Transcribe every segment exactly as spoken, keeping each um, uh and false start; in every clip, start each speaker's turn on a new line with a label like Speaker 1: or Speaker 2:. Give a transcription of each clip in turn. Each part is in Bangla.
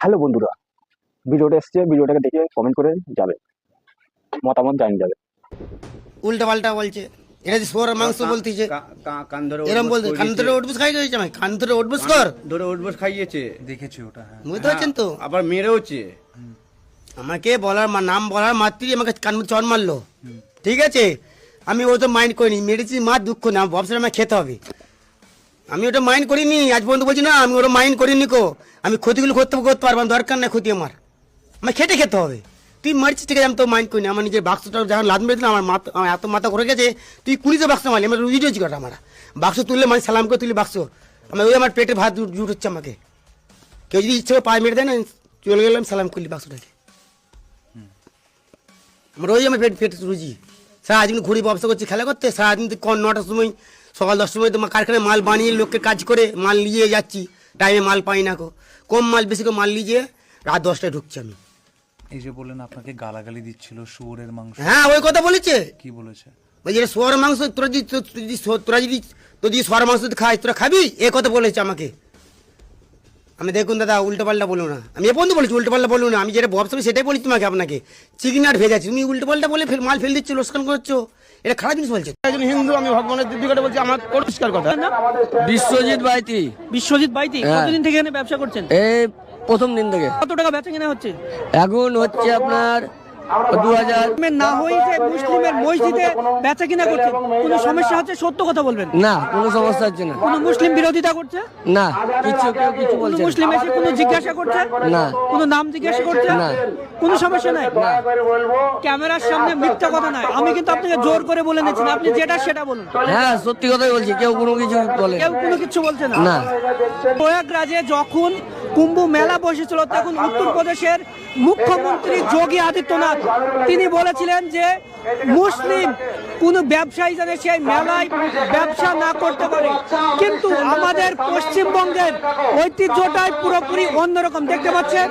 Speaker 1: হ্যালো বন্ধুরা, ভিডিওটা এসছে, ভিডিওটাকে দেখে কমেন্ট করে যাবে, মতামত জানিয়ে যাবে।
Speaker 2: উল্টা পাল্টা বলছে, এটা যে সোর মাংস বলতিছে,
Speaker 3: কান ধরে
Speaker 2: এরকম বলতে কান ধরে উঠবুস খাই দিয়েছে, আমি কান ধরে উঠবুস কর
Speaker 3: ধরে উঠবস খাইয়েছে, দেখেছি ওটা। হ্যাঁ,
Speaker 2: বুঝতে পারছেন তো?
Speaker 3: আবার মেরেওছে
Speaker 2: আমাকে বলার মা- নাম বলার মাত্রই আমাকে কান চর মারলো। ঠিক আছে, আমি ও তো মাইন্ড করিনি, মেরেছি মা দুঃখ না, ব্যবসাটা আমাকে খেতে হবে, আমি ওটা মাইন্ড করিনি। আজ পর্যন্ত বলছি না আমি ওটা মাইন্ড করিনি কো, আমি ক্ষতিগুলো করতে করতে পারবো, আমার দরকার নাই ক্ষতি, আমার আমার খেটে খেতে হবে। তুই মারছিস ঠিক আছে, আমি তো মাইন্ড করিনি, আমার নিজের বাক্সটা যখন লাদ মেরেছিলাম আমার মাথা, আমার এত মাথা ঘুরে গেছে, তুই কুড়িতে বাক্স মারলি, আমার রুজি রয়েছি কটা, আমার বাক্স তুললে মানে সালাম করে তুলি বাক্স, আমার ওই আমার পেটে ভাত জুট হচ্ছে, আমাকে কেউ যদি ইচ্ছে করে পায়ে মেরে দেয় না, চলে গেলাম সালাম করলি বাক্সটাকে, আমার ওই আমার পেট পেটে রুজি। সারাদিন ঘুরি ব্যবসা করছি খেলা করতে, সারাদিন তো নটার সময় সকাল দশটার সময় তোমার কারখানায় মাল বানিয়ে লোককে কাজ করে মাল নিয়ে যাচ্ছি, টাইমে মাল পাই না কো, কম মাল বেশি করে মাল নিয়ে রাত দশটায় ঢুকছি আমি।
Speaker 4: এই যে বললেন আপনাকে গালাগালি দিচ্ছিল শুয়োরের মাংস,
Speaker 2: হ্যাঁ ওই কথা বলেছে,
Speaker 4: কি বলেছে?
Speaker 2: বলছি এটা সোয়ার মাংস, তোরা যদি তো- তুই যদি সো- তোরা যদি তোর যদি সোয়ার মাংস তুই খাই, তোরা খাবি, এ কথা বলেছে আমাকে। আমি দেখুন দাদা উল্টো পাল্টা বলুন না, আমি এ পর্যন্ত বলেছি উল্টো পাল্টা বলুন না, আমি যেটা ব্যবসা করি সেটাই বলি তোমাকে, আপনাকে চিকনাট ভেজাচ্ছি, তুমি উল্টো পাল্টা বলে ফের মাল ফেল দিচ্ছ, লোকসান করছো, এটা খারাপ জিনিস বলছে।
Speaker 1: একজন হিন্দু, আমি ভগবানের দিদি কথা বলছি, আমার পরিষ্কার কথা।
Speaker 5: বিশ্বজিৎ বাইতি।
Speaker 6: বিশ্বজিৎ বাইতি,
Speaker 5: হ্যাঁ।
Speaker 6: কতদিন থেকে এখানে ব্যবসা করছেন?
Speaker 5: এই প্রথম দিন থেকে
Speaker 6: কত টাকা বেচা কেনা হচ্ছে?
Speaker 5: এখন হচ্ছে আপনার দু হাজার।
Speaker 6: মুসলিমের না হই যে মুসলিমের মসজিদে বেচা কিনা করছে, কোনো সমস্যা হচ্ছে? সত্য কথা বলবেন,
Speaker 5: না কোনো সমস্যা হচ্ছে না।
Speaker 6: কোনো মুসলিম বিরোধিতা করছে?
Speaker 5: না কিছু কেউ কিছু
Speaker 6: কোনো
Speaker 5: বলছে না।
Speaker 6: মুসলিম এসে কোনো জিজ্ঞাসা করছে?
Speaker 5: না।
Speaker 6: কোনো নাম জিজ্ঞাসা করছে?
Speaker 5: না।
Speaker 6: কোনো সমস্যা নাই? ক্যামেরার সামনে মিথ্যা কথা নাই, আমি কিন্তু আপনাকে জোর করে বলে নিচ্ছি না, আপনি যেটা সেটা বলুন।
Speaker 5: হ্যাঁ সত্যি কথাই বলছি, কেউ কোনো কিছু বলে
Speaker 6: কেউ কোনো কিছু বলছে না।
Speaker 5: না।
Speaker 6: প্রয়াগরাজে যখন কুম্ভ মেলা বসেছিল, তখন উত্তরপ্রদেশের মুখ্যমন্ত্রী যোগী আদিত্যনাথ তিনি বলেছিলেন যে মুসলিম কোন ব্যবসায়ী যেন সেই মেলায় ব্যবসা না করতে পারে, কিন্তু আমাদের পশ্চিমবঙ্গের ঐতিহ্যটাই পুরোপুরি অন্যরকম, দেখতে পাচ্ছেন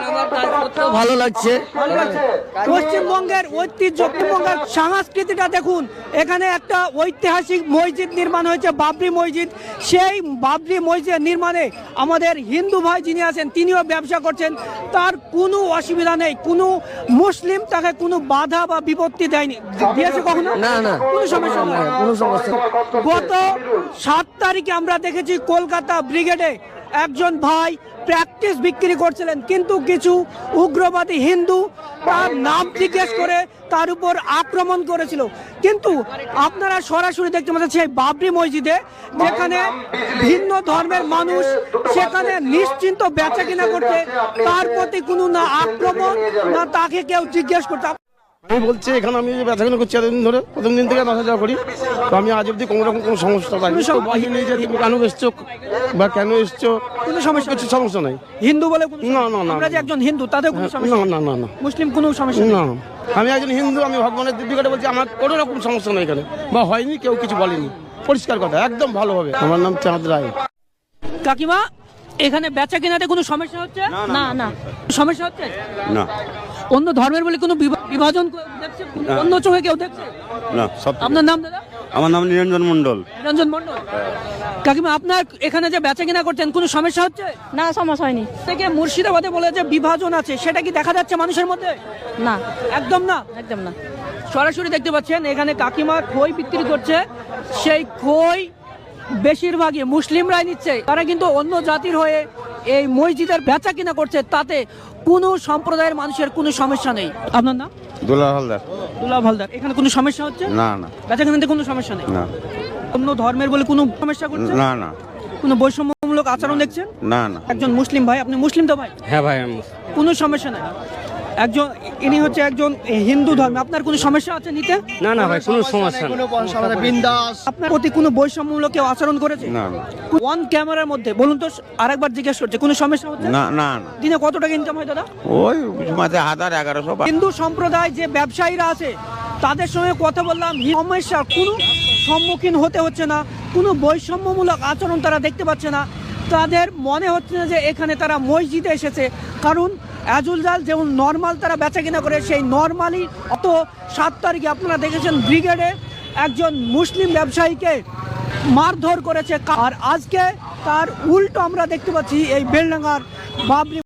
Speaker 5: ভালো লাগছে।
Speaker 6: ভালো লাগছে। পশ্চিমবঙ্গের ঐতিহ্য, পশ্চিমবঙ্গের সংস্কৃতিটা দেখুন, এখানে একটা ঐতিহাসিক মসজিদ নির্মাণ হয়েছে, বাবরি মসজিদ। সেই বাবরি মসজিদ নির্মাণে আমাদের হিন্দু ভাই যিনি আছেন তিনিও ব্যবসা করছেন, তার কোনো অসুবিধা নেই, কোনো মুসলিম তাকে কোনো বাধা বা বিপত্তি দেয়নি, দিয়েছে কখনো?
Speaker 5: না না
Speaker 6: কোনো সমস্যা
Speaker 5: না,
Speaker 6: নেই।
Speaker 5: কোনো সমস্যা নেই।
Speaker 6: গত সাত তারিখে আমরা দেখেছি কলকাতা ব্রিগেডে একজন ভাই প্র্যাকটিস বিক্রি করছিলেন, কিন্তু কিছু উগ্রবাদী হিন্দু তার নাম জিজ্ঞেস করে তার উপর আক্রমণ করেছিল। কিন্তু আপনারা সরাসরি দেখতে পাচ্ছেন সেই বাবরি মসজিদে, যেখানে ভিন্ন ধর্মের মানুষ সেখানে নিশ্চিন্ত বেচা কিনা করছে, তার প্রতি কোনো না আক্রমণ না তাকে কেউ জিজ্ঞেস করতে।
Speaker 1: আমি বলছি এখানে আমি যে ব্যথাগুলো করছি এতদিন ধরে, প্রথম দিন থেকে আসা যাওয়া করি, তো আমি আজ অব্দি কোনো রকম কোনো সমস্যা পাইনি। তো বলিনি যে তুমি কেন এসছো বা কেন এসছো,
Speaker 6: কোনো সমস্যা
Speaker 1: কিছু সমস্যা নাই।
Speaker 6: হিন্দু বলে কোনো
Speaker 1: না, না, না,
Speaker 6: আমরা যে
Speaker 1: না।
Speaker 6: একজন হিন্দু তাদের কোনো
Speaker 1: না
Speaker 6: সমস্যা নেই?
Speaker 1: না না না
Speaker 6: মুসলিম কোনো সমস্যা নেই?
Speaker 1: না, আমি একজন হিন্দু, আমি ভগবানের দিদি কথা বলছি, আমার কোনো রকম সমস্যা নেই এখানে, বা হয়নি, কেউ কিছু বলেনি, পরিষ্কার কথা, একদম ভালো হবে। আমার নাম চাঁদ রায়।
Speaker 6: কাকিমা, এখানে বেচা কেনাতে কোনো সমস্যা হচ্ছে? না না সমস্যা হচ্ছে
Speaker 7: না
Speaker 6: অন্য ধর্মের বলে কোনো বিভা- বিভাজন কেউ দেখছে? অন্য চোখে কেউ দেখছে?
Speaker 7: না সব
Speaker 6: আপনার নাম দাদা?
Speaker 7: আমার নাম নিরঞ্জন মণ্ডল।
Speaker 6: নিরঞ্জন মণ্ডল। কাকিমা, আপনার এখানে যে বেচা কেনা করছেন কোনো সমস্যা হচ্ছে?
Speaker 8: না, সমস্যা হয়নি।
Speaker 6: থেকে মুর্শিদাবাদে বলে যে বিভাজন আছে, সেটা কি দেখা যাচ্ছে মানুষের মধ্যে?
Speaker 8: না,
Speaker 6: একদম না।
Speaker 8: একদম না।
Speaker 6: সরাসরি দেখতে পাচ্ছেন এখানে কাকিমা খই বিক্রি করছে, সেই খই বেশিরভাগই মুসলিমরাই নিচ্ছে, তারা কিন্তু অন্য জাতির হয়ে এই মসজিদের বেচা কিনা করছে, তাতে কোনো সম্প্রদায়ের মানুষের কোনো সমস্যা নেই। আপনার নাম?
Speaker 7: দুলা হালদার।
Speaker 6: দুলাভ হালদার। এখানে কোনো সমস্যা হচ্ছে?
Speaker 7: না না
Speaker 6: বেচা কেনাতে কোনো সমস্যা নেই?
Speaker 7: না
Speaker 6: অন্য ধর্মের বলে কোনো সমস্যা করছে?
Speaker 7: না না
Speaker 6: কোনো বৈষম্যমূলক আচরণ দেখছেন?
Speaker 7: না না
Speaker 6: একজন মুসলিম ভাই, আপনি মুসলিম তো ভাই?
Speaker 5: হ্যাঁ ভাই আমি
Speaker 6: কোনো সমস্যা নেই। একজন ইনি হচ্ছে একজন হিন্দু ধর্মে, আপনার কোনো সমস্যা আছে নিতে?
Speaker 5: না না ভাই কোনো সমস্যা নেই।
Speaker 6: আপনার প্রতি কোনো বৈষম্যমূলক কেউ আচরণ করেছে?
Speaker 7: না না
Speaker 6: ওয়ান ক্যামেরার মধ্যে বলুন তো, আরেকবার জিজ্ঞেস করছে, কোনো সমস্যা হচ্ছে?
Speaker 7: না না না
Speaker 6: দিনে কত টাকা ইনকাম হয় দাদা?
Speaker 7: ওই মাঝে হাজার এগারোশো বা-
Speaker 6: হিন্দু সম্প্রদায় যে ব্যবসায়ীরা আছে তাদের সঙ্গে কথা বললাম, সমস্যা কোনো সম্মুখীন হতে হচ্ছে না, কোনো বৈষম্যমূলক আচরণ তারা দেখতে পাচ্ছে না, তাদের মনে হচ্ছে না যে এখানে তারা মসজিদে এসেছে, কারণ অ্যাজুল জাল যেমন নর্মাল তারা বেচা কিনা করে, সেই নর্মালি অত সাত তারিখে আপনারা দেখেছেন ব্রিগেডে একজন মুসলিম ব্যবসায়ীকে মারধর করেছে, আর আজকে তার উল্টো আমরা দেখতে পাচ্ছি এই বেলডাঙ্গার বাবরি